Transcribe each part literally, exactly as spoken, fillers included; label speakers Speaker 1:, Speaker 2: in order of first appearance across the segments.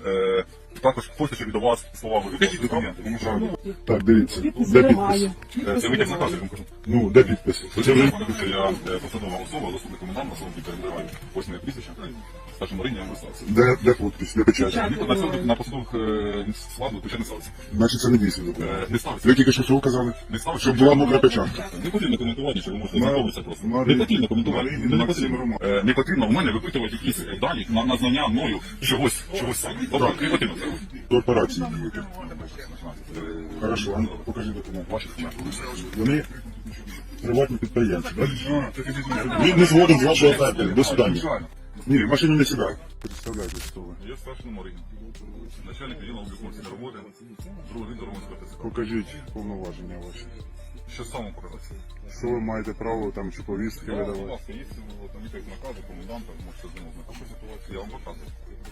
Speaker 1: Е, також хочу, щоб від вас слова вивідати документи. Тому що
Speaker 2: Так, дивіться,
Speaker 3: Підпис
Speaker 2: де підпис?
Speaker 3: немає.
Speaker 1: е, це витяг з наказу, я вам кажу.
Speaker 2: Ну, де підпис?
Speaker 1: Це вже що я е, посадова особа, заступник коменданта, особи перебуваю. Ось моє прізвище. Старший Марині, я вам представився.
Speaker 2: Де, де підпис? Де печать?
Speaker 1: На цьому- На посадових е, складу печать не ставиться.
Speaker 2: Значить, це не дійсний
Speaker 1: Е,
Speaker 2: документ.
Speaker 1: Не ставиться.
Speaker 2: Ви тільки що що казали?
Speaker 1: Не ставиться.
Speaker 2: Щоб була мокра печатка.
Speaker 1: Не потрібно коментувати, що ви можете
Speaker 2: Мар-
Speaker 1: знайомитися просто.
Speaker 2: Марин-
Speaker 1: Не потрібно коментувати.
Speaker 2: Марин-
Speaker 1: Не
Speaker 2: Максим
Speaker 1: потрібно.
Speaker 2: Роман.
Speaker 1: Е, Не потрібно у мене випитувати якісь дані на, на знання мною чогось, чогось саме. Тобто не потрібно це робити.
Speaker 2: Корпорації дієте. Хорошо, а ну, покажи документ.
Speaker 1: Ваші документи.
Speaker 2: Вони приватні підприємці. так? Він не згоден з вашого оферти. До свидання. Ні, в машину не сідай. Представляйте, хто ви.
Speaker 1: Я старший Марині. Начальник відділу облікової роботи, другий Дорогонського ТЦК.
Speaker 2: Покажіть повноваження ваші.
Speaker 1: Що саме показати?
Speaker 2: Що ви маєте право там чи повістки
Speaker 1: Я, будь
Speaker 2: видавати?
Speaker 1: ласка, є там якісь накази коменданта, можете з ним ознайомитися. Я вам показую.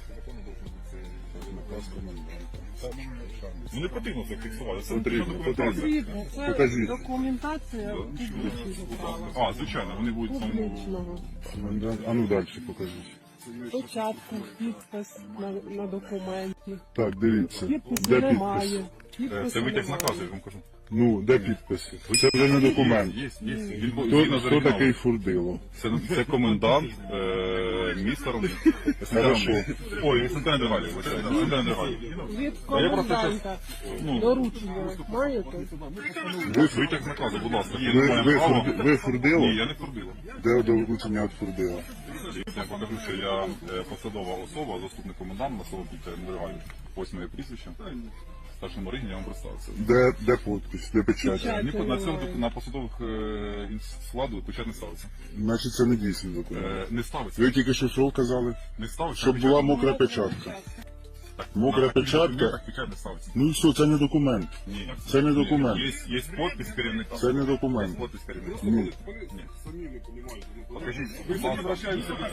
Speaker 2: Наказ коменданта.
Speaker 1: Ну не потрібно це фіксувати. Це
Speaker 2: Потрібно,
Speaker 1: документація.
Speaker 3: Потрібно. Це
Speaker 2: Покажіть.
Speaker 3: документація публічного права.
Speaker 1: А, звичайно, вони будуть в тому.
Speaker 3: Публічного.
Speaker 2: Комендант. А ну далі покажіть.
Speaker 3: Початку, підпис на, на документі.
Speaker 2: Так, дивіться.
Speaker 3: Підпису
Speaker 2: Де
Speaker 3: немає.
Speaker 2: підпис?
Speaker 1: Е,
Speaker 3: Підпису
Speaker 1: Це витяг з
Speaker 3: немає.
Speaker 1: наказу, я вам кажу.
Speaker 2: Ну, де підписи? Це вже не документ.
Speaker 1: Є, є. Він був-
Speaker 2: Хто,
Speaker 1: він на
Speaker 2: хто
Speaker 1: оригіналі.
Speaker 2: такий Фурдило?
Speaker 1: Це, це комендант е, міста Ромни.
Speaker 2: Хорошо.
Speaker 1: Ой, Висентина Драгалі. Висентина Драгалі.
Speaker 3: Від
Speaker 1: А я просто
Speaker 3: коменданта
Speaker 1: Ну,
Speaker 3: доручення маєте?
Speaker 1: ви витяг з наказу, будь ласка. Є,
Speaker 2: Ви,
Speaker 1: немає
Speaker 2: ви,
Speaker 1: права.
Speaker 2: Фурди- ви Фурдило?
Speaker 1: Ні, я не Фурдило.
Speaker 2: Де доручення від Фурдила?
Speaker 1: Я покажу, що я е, посадова особа, заступник коменданта, особа під Нерегалі. Ось моє прізвище. Старший Марині, я вам представився.
Speaker 2: Де, де підпис? Де печать?
Speaker 3: Печать.
Speaker 1: Ні, на цьому на посадових е, складу печать не ставиться.
Speaker 2: Значить, це не дійсний документ.
Speaker 1: Е, не ставиться.
Speaker 2: Ви тільки що що казали?
Speaker 1: Не ставиться.
Speaker 2: Щоб
Speaker 1: печать.
Speaker 2: була мокра печатка.
Speaker 1: Так,
Speaker 2: мокра
Speaker 1: на таких
Speaker 2: печатка.
Speaker 1: документах печать не ставиться.
Speaker 2: Ну і все, це не документ.
Speaker 1: Ні.
Speaker 2: Це не документ.
Speaker 1: Є, є підпис керівника.
Speaker 2: Це не документ.
Speaker 1: Є підпис керівника.
Speaker 2: Ні.
Speaker 1: Ні. Покажіть, будь ласка, ваші-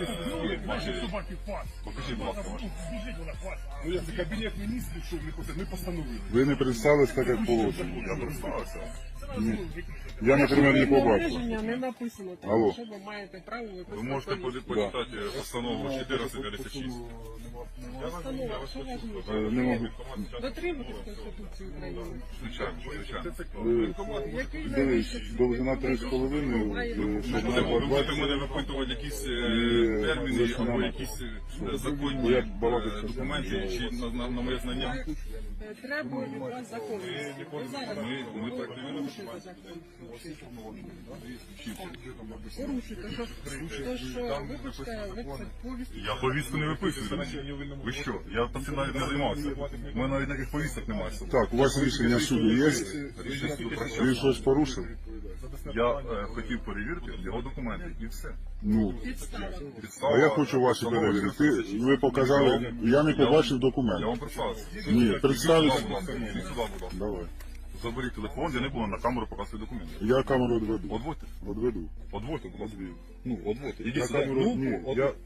Speaker 1: Покажіть, будь ласка, ваші.
Speaker 4: Ну як це кабінет міністрів, що ми пос- ми постановили.
Speaker 2: Ви не представились так, як положено.
Speaker 1: Я представився.
Speaker 2: Ні. Я, наприклад, не побачив.
Speaker 3: Рішення не написано,
Speaker 2: Алло.
Speaker 3: тому що ви маєте право
Speaker 1: Ви
Speaker 3: виписати.
Speaker 1: можете по- почитати постанову чотирнадцять п'ятдесят шість.
Speaker 3: Постанова, що важливо?
Speaker 2: Е, Не можу.
Speaker 3: Дотримуйтесь Конституції України.
Speaker 1: Звичайно, звичайно.
Speaker 2: Е,
Speaker 3: Який
Speaker 2: Дивись,
Speaker 3: найвищий
Speaker 2: довжина три з половиною, е,
Speaker 1: Ви
Speaker 2: щоб
Speaker 1: будете
Speaker 2: на
Speaker 1: ви будете
Speaker 2: двадцять.
Speaker 1: мене випитувати якісь е,
Speaker 2: Ні,
Speaker 1: терміни
Speaker 2: ви ж
Speaker 1: або
Speaker 2: нам-
Speaker 1: якісь е,
Speaker 2: Бо
Speaker 1: законні
Speaker 2: я
Speaker 1: е,
Speaker 2: балакаю, що
Speaker 1: документи чи на, на, на моє знання.
Speaker 3: Е, Треба від вас законність. Ви зараз
Speaker 1: Ми, ми так не
Speaker 3: порушуєте закон. Порушуєте, що, то, що вибачте, виписати повістку.
Speaker 1: Я повістку не виписую. Ви що? Я цим навіть не займався. У мене навіть таких повісток немає. з собою.
Speaker 2: Так, у вас рішення суду є?
Speaker 1: Рішення суду про що?
Speaker 2: Він щось порушив?
Speaker 1: Я е, хотів перевірити його документи і все.
Speaker 2: Ну,
Speaker 3: Підстава.
Speaker 1: Підстава,
Speaker 2: а я хочу ваші
Speaker 1: постанова
Speaker 2: перевірити. Ти- Ви показали, я не побачив документ.
Speaker 1: Я вам представився.
Speaker 2: Ні, представився.
Speaker 1: Сюди, будь ласка. Ідіть сюди, будь ласка.
Speaker 2: Давай.
Speaker 1: Заберіть телефон, я не буду на камеру показувати документи.
Speaker 2: Я камеру відведу.
Speaker 1: Одводьте.
Speaker 2: Відведу.
Speaker 1: Одводьте, будь ласка. Ну, одводьте.
Speaker 2: Я
Speaker 1: Ідіть сюди.
Speaker 2: камеру,
Speaker 1: Ну,
Speaker 2: ні,
Speaker 1: от-
Speaker 2: я,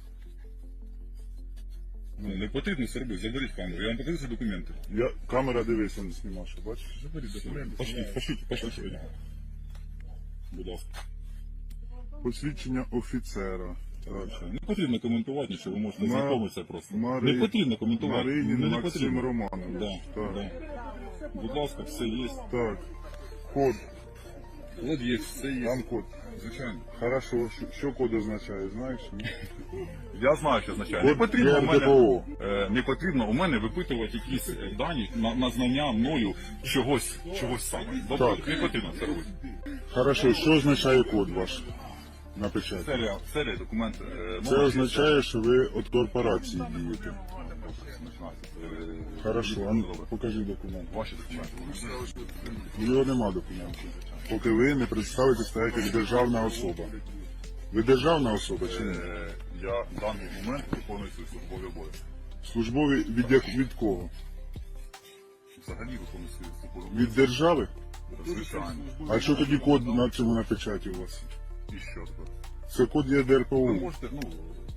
Speaker 1: Ну, не потрібно це робити. Заберіть камеру. Я вам покажу ці документи.
Speaker 2: я, камера дивися, не знімаєш, бачиш?
Speaker 1: Заберіть документи. Пошліть, пошліть, пошліть. Будь ласка.
Speaker 2: Посвідчення офіцера. Так.
Speaker 1: Не потрібно коментувати нічого, ви можете
Speaker 2: Ма-
Speaker 1: знайомитися просто.
Speaker 2: Мари-
Speaker 1: Не потрібно коментувати.
Speaker 2: Маринін
Speaker 1: не, не
Speaker 2: Максим
Speaker 1: потрібно.
Speaker 2: Романович.
Speaker 1: Да,
Speaker 2: Так.
Speaker 1: да. Будь ласка, все є.
Speaker 2: Так. Код.
Speaker 1: От є, все є.
Speaker 2: Там код.
Speaker 1: Звичайно.
Speaker 2: Хорошо. Що, що код означає, знаєш? Ні?
Speaker 1: Я знаю, що означає. Не
Speaker 2: Код
Speaker 1: потрібно у мене,
Speaker 2: ГРДПО.
Speaker 1: е, не потрібно у мене випитувати якісь е, дані на, на знання мною чогось, чогось саме. Добре,
Speaker 2: Так.
Speaker 1: не потрібно це робити.
Speaker 2: Хорошо, що означає код ваш на печаті?
Speaker 1: Серія, серія документ. е,
Speaker 2: Це
Speaker 1: номер
Speaker 2: означає, що ви від корпорації дієте.
Speaker 1: Е,
Speaker 2: Хорошо, а ну покажи документ.
Speaker 1: Ваші документи.
Speaker 2: Його нема документів. Поки ви не представитесь так, як державна особа. Ви державна особа чи ні?
Speaker 1: Е, Я в даний момент виконую свої службові обов'язки.
Speaker 2: Службові від, як- від кого?
Speaker 1: Взагалі виконую свої службові
Speaker 2: Від
Speaker 1: обов'язки.
Speaker 2: держави?
Speaker 1: Звичайно.
Speaker 2: А що тоді код на цьому на печаті у вас?
Speaker 1: І що тепер?
Speaker 2: Це код є
Speaker 1: Ви
Speaker 2: ДРПУ.
Speaker 1: можете, ну,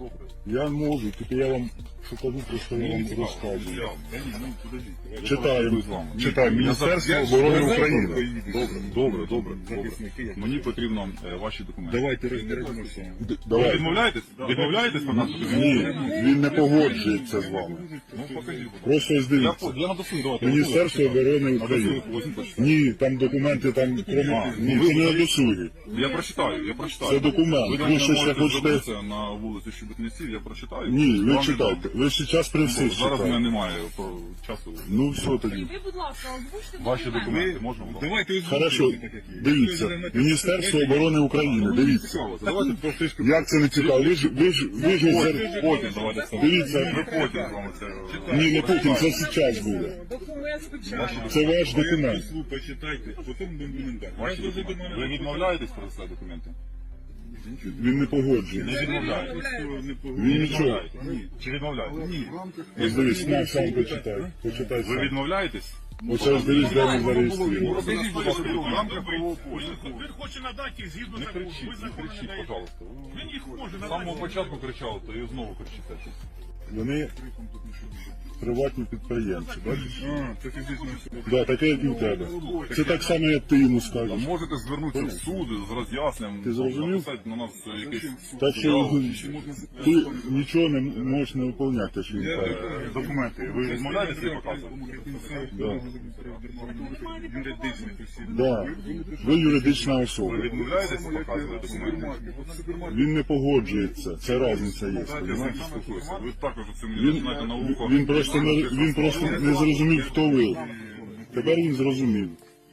Speaker 2: Я можу, тільки я вам покажу, просто я вам розказую.
Speaker 4: Та ні, ну подожди.
Speaker 2: Читаємо,
Speaker 1: з вами.
Speaker 2: читаємо. Міністерство оборони України.
Speaker 1: Добре, добре, добре.
Speaker 4: Захисники, як
Speaker 1: Мені потрібно е, ваші документи.
Speaker 4: Давайте розберемося.
Speaker 2: Д-
Speaker 1: Ви
Speaker 2: Давай.
Speaker 1: відмовляєтесь? Відмовляєтесь на нас?
Speaker 2: Ні, він не погоджується з вами.
Speaker 1: Ну, покажіть.
Speaker 2: Просто ось
Speaker 1: Я,
Speaker 2: дивіться.
Speaker 1: по- я на досуг, давайте.
Speaker 2: Міністерство оборони
Speaker 1: На досуг,
Speaker 2: України.
Speaker 1: возьміть, почитайте.
Speaker 2: Ні, там документи, там кроме... Ні, це не на досугі.
Speaker 1: Я прочитаю, я прочитаю.
Speaker 2: Це документ.
Speaker 1: Ви,
Speaker 2: Ви
Speaker 1: до мене
Speaker 2: щось
Speaker 1: можете
Speaker 2: хочете-
Speaker 1: звернутися на вулиці Щебетнеців, я прочитаю.
Speaker 2: Ні, ви
Speaker 1: Вам
Speaker 2: читайте.
Speaker 1: відомо.
Speaker 2: Ви зараз при всіх
Speaker 1: Зараз у мене
Speaker 2: читаєте.
Speaker 1: немає про часу.
Speaker 2: Ну все тоді.
Speaker 5: Ви, будь ласка, озвучте
Speaker 1: Ваші
Speaker 5: документи.
Speaker 1: документи можна? будь ласка?
Speaker 4: Давайте
Speaker 2: Хорошо,
Speaker 4: озвучуйте, так як є.
Speaker 2: дивіться. Міністерство оборони України, дивіться.
Speaker 1: Цікаво, давайте просто
Speaker 2: Як це не цікаво? Ви ж, ви ж, ви ж зер-
Speaker 1: потім давайте це.
Speaker 2: Дивіться.
Speaker 1: Ми потім з вами це.
Speaker 2: Ні, не потім, це зараз буде.
Speaker 3: Документ спочатку.
Speaker 2: Це ваш документ.
Speaker 4: Слух почитайте, потім будемо далі.
Speaker 1: Ваші документи. Ви відмовляєтесь про це документи?
Speaker 2: Він не погоджує.
Speaker 1: Не відмовляєтесь.
Speaker 2: Він нічого.
Speaker 1: Ні. Чи відмовляєтесь? Ні.
Speaker 2: Ось дивись, на сам почитай. Почитай
Speaker 1: Ви
Speaker 2: сам.
Speaker 1: відмовляєтесь?
Speaker 2: Оце ось дивись, де ми зареєстровані.
Speaker 1: Покажіть, будь ласка, в рамках правового поля.
Speaker 6: Він хоче надати згідно
Speaker 1: Не
Speaker 6: закону.
Speaker 1: кричіть,
Speaker 6: Ви
Speaker 1: не
Speaker 6: закон не
Speaker 1: кричіть,
Speaker 6: даєте.
Speaker 1: пожалуйста.
Speaker 6: Він їх може
Speaker 1: З
Speaker 6: надати.
Speaker 1: самого початку кричали, то і знову кричите щось.
Speaker 2: Вони приватні підприємці, бачиш?
Speaker 4: А, це фізична особа.
Speaker 2: Да, таке, як і у тебе. Це так само, як ти йому скажеш.
Speaker 1: Можете звернутися в суд з роз'ясненням.
Speaker 2: Ти зрозумів?
Speaker 1: Написати на нас якийсь
Speaker 2: Так що ти нічого не можеш не виконувати, що він каже.
Speaker 1: документи. Ви відмовляєтеся їх показувати?
Speaker 2: Да.
Speaker 4: Юридичний осіб.
Speaker 2: Да. Ви юридична особа.
Speaker 1: Ви відмовляєтеся показувати документи?
Speaker 2: Він не погоджується. Це різниця є.
Speaker 1: Дайте я з ним
Speaker 2: розумієш?
Speaker 1: поспілкуюся. Ви також це мені
Speaker 2: Він,
Speaker 1: починаєте на ухо.
Speaker 2: він просто не він просто не зрозумів, хто ви. Тепер він зрозумів.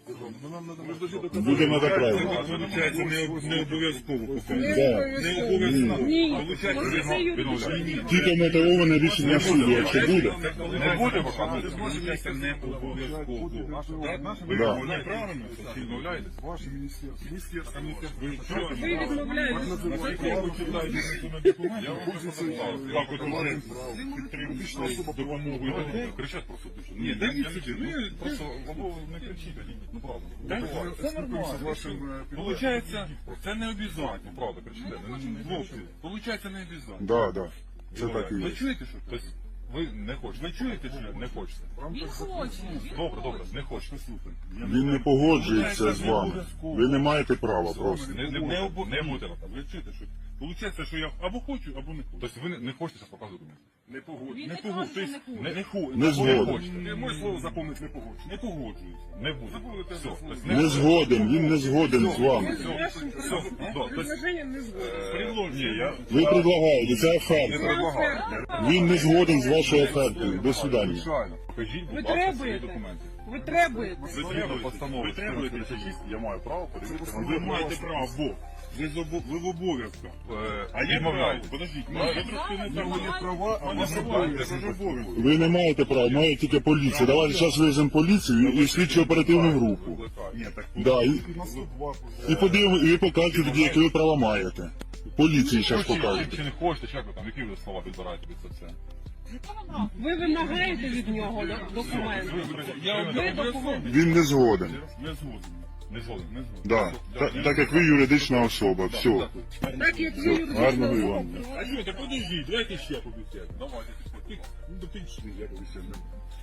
Speaker 2: Буде надо правильно.
Speaker 4: Получається, не, не обов'язково показати.
Speaker 2: Да.
Speaker 4: Не обов'язково.
Speaker 3: Ні,
Speaker 4: Получається,
Speaker 3: може це юридичний.
Speaker 2: Тільки мотивоване рішення суду, якщо буде.
Speaker 1: Не буде показувати?
Speaker 4: Получається, не обов'язково.
Speaker 1: Ви
Speaker 2: Да.
Speaker 4: Неправильно?
Speaker 1: Чи відмовляєтесь?
Speaker 4: Ваше міністерство. Міністерство.
Speaker 3: Ви відмовляєтесь.
Speaker 1: Я вам просто написав. Так, от говорить.
Speaker 4: Підтримуюча особа допомогою.
Speaker 1: Кричать просто дуже.
Speaker 4: Ні, дай мені сюди. Ну, я-
Speaker 1: Просто або не кричіть, ну правда.
Speaker 4: Так,
Speaker 1: Буває.
Speaker 4: це нормально. Получається, це не обов'язково.
Speaker 1: Ну правда, кричите.
Speaker 4: Хлопці, получається не обов'язково.
Speaker 2: Да, да. Це так і
Speaker 4: Ви
Speaker 2: є.
Speaker 4: чуєте, що?
Speaker 1: Тобто ви не хочете.
Speaker 4: Ви чуєте, що?
Speaker 1: Не хочете.
Speaker 5: Він хоче. Він
Speaker 1: Добре, добре, не хочете.
Speaker 2: Він не погоджується з вами. Ви не маєте права просто.
Speaker 1: Не, не,
Speaker 4: Не,
Speaker 1: буде.
Speaker 4: обо...
Speaker 1: не буде.
Speaker 4: Ви чуєте, що? Получається, що я або хочу, або не хочу.
Speaker 1: Тобто ви не, не хочете зараз показувати документи?
Speaker 4: Не погоджу.
Speaker 5: Він
Speaker 4: Не
Speaker 5: не
Speaker 4: погоджу.
Speaker 5: каже, що не
Speaker 4: Не, не хочу.
Speaker 2: Не згоден.
Speaker 4: хочете. Моє слово запомнить не погоджу. Не погоджуюся.
Speaker 1: Не буде.
Speaker 4: Забудете
Speaker 1: Все.
Speaker 4: за слово.
Speaker 1: Тобто
Speaker 2: Не згоден, він не згоден з вами.
Speaker 3: З вашим предложенням не згоден.
Speaker 4: Предложення.
Speaker 1: Ні, я
Speaker 2: Ви предлагаєте, це
Speaker 1: не
Speaker 2: оферта.
Speaker 1: предлагаю.
Speaker 2: Він не згоден з вашою офертою. До свидання.
Speaker 1: Звичайно. Покажіть,
Speaker 3: Ви
Speaker 1: будь ласка, свої
Speaker 3: требуєте.
Speaker 1: документи.
Speaker 3: Ви требуєте.
Speaker 1: Згідно постанови
Speaker 4: Ви требуєте?
Speaker 1: чотирнадцять шість, я маю право перевірити.
Speaker 4: Ви маєте право, бо ви, з обо- ви в обов'язках. А я право.
Speaker 1: Відмовляю.
Speaker 4: Подождіть,
Speaker 5: Ні,
Speaker 4: ну, ви
Speaker 5: зараз
Speaker 4: трошки не
Speaker 5: ви
Speaker 4: так.
Speaker 5: маєте
Speaker 4: права, а ви забуваєте, що ж обов'язки.
Speaker 2: Ви не маєте права, має тільки поліція. Давайте зараз виземо поліцію і слідчо оперативну групу.
Speaker 4: Ні, так
Speaker 2: Да, і, і подивимо, і ви покажете тоді, які ви права маєте. Поліції зараз
Speaker 1: Чи, чи,
Speaker 2: покажете.
Speaker 1: чи не хочете, чи як ви там, які ви слова підбираєте під це все?
Speaker 3: Ви вимагаєте від нього до- документи.
Speaker 4: Я
Speaker 3: Ви документи.
Speaker 2: Він не згоден.
Speaker 4: не згоден.
Speaker 1: Не згоден.
Speaker 4: Не згоден.
Speaker 2: Да. Та- так як ви юридична особа. Все.
Speaker 3: Так як ви юридична
Speaker 2: Гарного і
Speaker 3: особа.
Speaker 2: вам.
Speaker 4: А що, так подождіть, давайте ще побіцяємо. Давайте, пішли. Ну, до пішли, я побіцяю.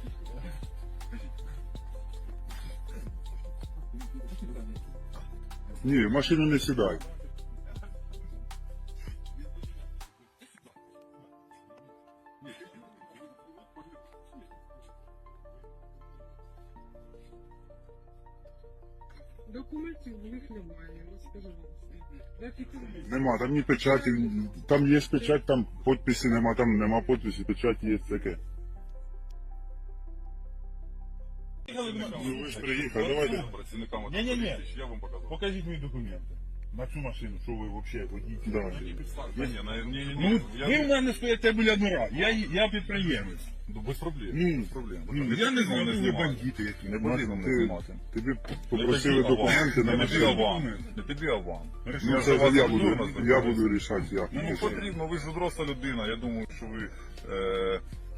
Speaker 2: Ні, в машину не сідай.
Speaker 3: Документів в них немає, я скажу вам. Так і тут.
Speaker 2: Нема, там ні печаті, там є печать, там підписи нема, там нема підписі, печать є таке. Ну ви ж приїхали, давайте.
Speaker 1: Працівниками
Speaker 4: Ні-ні-ні.
Speaker 1: я вам показав.
Speaker 4: Покажіть мені документи. На цю машину, що ви взагалі водій.
Speaker 2: Да.
Speaker 1: Ні, ні, ні, ні,
Speaker 4: Ну,
Speaker 1: я-
Speaker 4: ви в мене стоїте біля двора. Я, я підприємець.
Speaker 1: Ну, без проблем.
Speaker 4: Ну,
Speaker 1: без проблем.
Speaker 4: Ну,
Speaker 1: Ви
Speaker 4: я не
Speaker 1: потрібно
Speaker 4: знаю, ви
Speaker 1: знімати.
Speaker 4: бандити які.
Speaker 1: Не потрібно мене
Speaker 2: Ти-
Speaker 1: знімати.
Speaker 2: Тобі
Speaker 1: Не
Speaker 2: попросили
Speaker 1: тобі, а вам.
Speaker 2: документи на
Speaker 1: Не тобі, а
Speaker 2: машину.
Speaker 1: вам. Не тобі, а вам.
Speaker 2: Ну
Speaker 1: Я
Speaker 2: це
Speaker 1: за вас
Speaker 2: я
Speaker 1: люблю,
Speaker 2: буду,
Speaker 1: нас
Speaker 2: я
Speaker 1: знаходиться.
Speaker 2: буду рішати як.
Speaker 1: Ну, потрібно, ви ж доросла людина, я думаю, що ви е,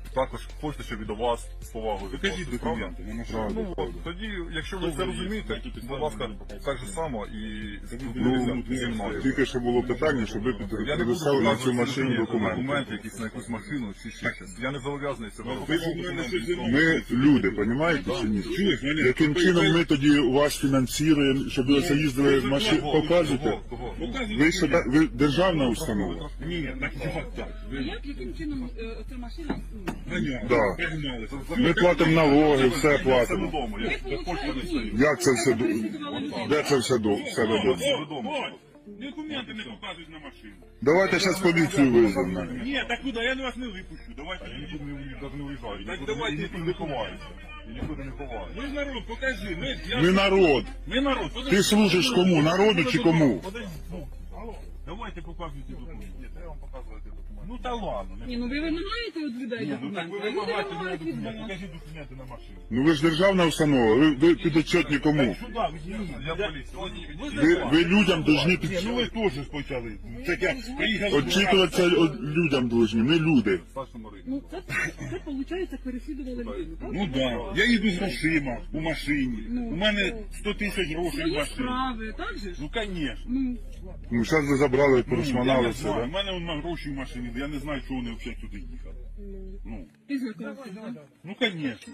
Speaker 1: також хочете, щоб і до вас з повагою.
Speaker 4: Покажіть
Speaker 1: відносились, правда?
Speaker 4: документи на машину.
Speaker 1: Ну, от, тоді, якщо ви це розумієте, будь ласка, так же само і
Speaker 2: Ну,
Speaker 1: зі мною.
Speaker 2: тільки що було питання, щоб ви
Speaker 1: Я не буду
Speaker 2: предоставили на цю
Speaker 1: показувати
Speaker 2: машину документи.
Speaker 1: документи, якісь на якусь машину чи ще щось. Я не зобов'язаний це робити.
Speaker 4: Ви ж у мене щось зробили.
Speaker 2: Ми люди, розумієте чи ні?
Speaker 4: Чуєш, Валерій?
Speaker 2: Яким чином ми тоді вас фінансуємо, щоб ви це їздили машин, показуєте?
Speaker 1: Кого?
Speaker 2: Ви що та- ви державна установа?
Speaker 4: Ні, так як так.
Speaker 5: А як, яким чином е, оця машина? ну,
Speaker 4: Ганяли,
Speaker 2: Да.
Speaker 4: погналися.
Speaker 2: Ми платимо налоги, все
Speaker 1: Це
Speaker 2: платимо.
Speaker 1: додому. Я
Speaker 5: Ви,
Speaker 1: почта не
Speaker 5: виходить,
Speaker 1: стою.
Speaker 5: ні.
Speaker 2: Як це все до-
Speaker 5: Переслідували людей.
Speaker 2: де це все до все додому?
Speaker 1: Додому.
Speaker 4: Документи не показують на машину.
Speaker 2: Давайте зараз поліцію визвемо.
Speaker 4: Ні, так куди? Я вас не випущу. Давайте.
Speaker 1: Я нікуди не уїжджаю, навіть не уїжджаю.
Speaker 4: Так
Speaker 1: Нікуди-
Speaker 4: давайте.
Speaker 1: нікуди не ховаюся. Я нікуди не ховаюся.
Speaker 4: Ми ж народ, покажи. Ми, я...
Speaker 2: Ми народ.
Speaker 4: Ми народ. Подожди.
Speaker 2: Ти служиш кому? Народу чи кому?
Speaker 4: Подожди. Ну, алло. Давайте показуйте документи.
Speaker 1: Ні, треба вам показувати документи.
Speaker 4: Ну та ладно. Не...
Speaker 5: Ні, ну ви вимагаєте від людей
Speaker 4: Ні, ну так
Speaker 5: документи,
Speaker 4: ви
Speaker 5: а люди
Speaker 4: вимагайте
Speaker 5: вимагають від
Speaker 4: документи.
Speaker 5: вас.
Speaker 4: Покажіть документи на машину.
Speaker 2: Ну ви ж державна установа, ви, ви підотчетні кому?
Speaker 4: Сюди, візьміть.
Speaker 1: Я поліція.
Speaker 2: Ви, ви людям повинні під...
Speaker 4: Ні, ну ви теж почали. Так я приїхав.
Speaker 2: Отчитуватися от людям повинні, не люди.
Speaker 1: Старшому Марину.
Speaker 5: Ну це, це виходить, переслідували людину, так?
Speaker 4: Ну так, да. Я їду з грошима у машині.
Speaker 5: Ну,
Speaker 4: У мене сто тисяч грошей в
Speaker 5: Свої
Speaker 4: машині.
Speaker 5: справи, так же ж?
Speaker 4: Ну, звісно.
Speaker 5: Ну,
Speaker 2: Ну зараз ви забрали,
Speaker 4: Я
Speaker 2: порушманали
Speaker 4: не
Speaker 2: все,
Speaker 4: знаю. У
Speaker 2: да?
Speaker 4: мене вон гроші в машині, я не знаю, чого вони взагалі туди їхали. Ну,
Speaker 5: ти знакомився, так?
Speaker 4: ну, звісно.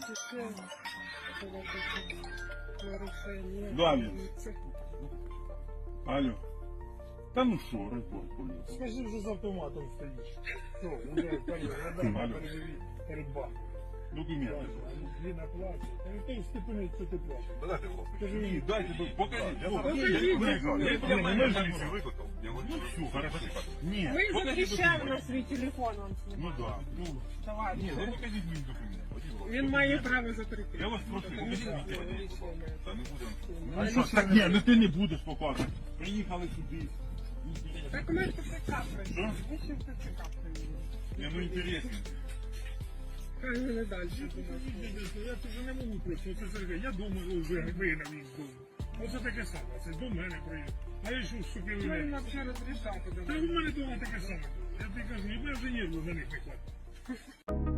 Speaker 3: Нарушення.
Speaker 4: Далі. Алло. Та ну що, репорт поліції.
Speaker 6: Скажи, вже з автоматом стоїш. Що, вже перед баком.
Speaker 4: Документи.
Speaker 6: Він оплачує. Та ніхто ж степенить, що ти плачеш.
Speaker 1: Дайте, будь ласка.
Speaker 6: Скажи
Speaker 4: Ні,
Speaker 6: мені,
Speaker 4: дайте, покажіть.
Speaker 1: Я
Speaker 4: Ну,
Speaker 1: зараз
Speaker 5: Покажіть,
Speaker 1: я виїжджаю. Я-
Speaker 5: документи.
Speaker 1: Я мене поліцію викликав. Я говорю,
Speaker 4: Все, хорошо. Ні,
Speaker 3: Ми
Speaker 4: покажіть
Speaker 3: запрещаємо
Speaker 4: документи.
Speaker 3: на свій телефон вам
Speaker 4: Ну
Speaker 3: знімати.
Speaker 4: так. Ну,
Speaker 3: Давай.
Speaker 4: ні, ну покажіть мені документи.
Speaker 3: Він має право закрити.
Speaker 4: Я вас прошу, покажіть мені документи.
Speaker 1: Та не будемо.
Speaker 4: А що ж так? Ні, ну ти не будеш показувати. Приїхали сюди.
Speaker 3: Так ми ТЦК прийшли. Ви ще в ТЦК прийшли.
Speaker 4: Ні, ну інтересно.
Speaker 3: Хай вони далі думають.
Speaker 6: я тут вже не можу просто, оце Сергій, я думаю, ви вигнав їх з дому. Оце таке саме, це до мене приїхав. А я що вступив
Speaker 3: Що
Speaker 6: в
Speaker 3: їм
Speaker 6: мене?
Speaker 3: взагалі розрішати?
Speaker 6: Та в мене вдома таке саме. Я тобі кажу, і мене вже нерву на них не хватить.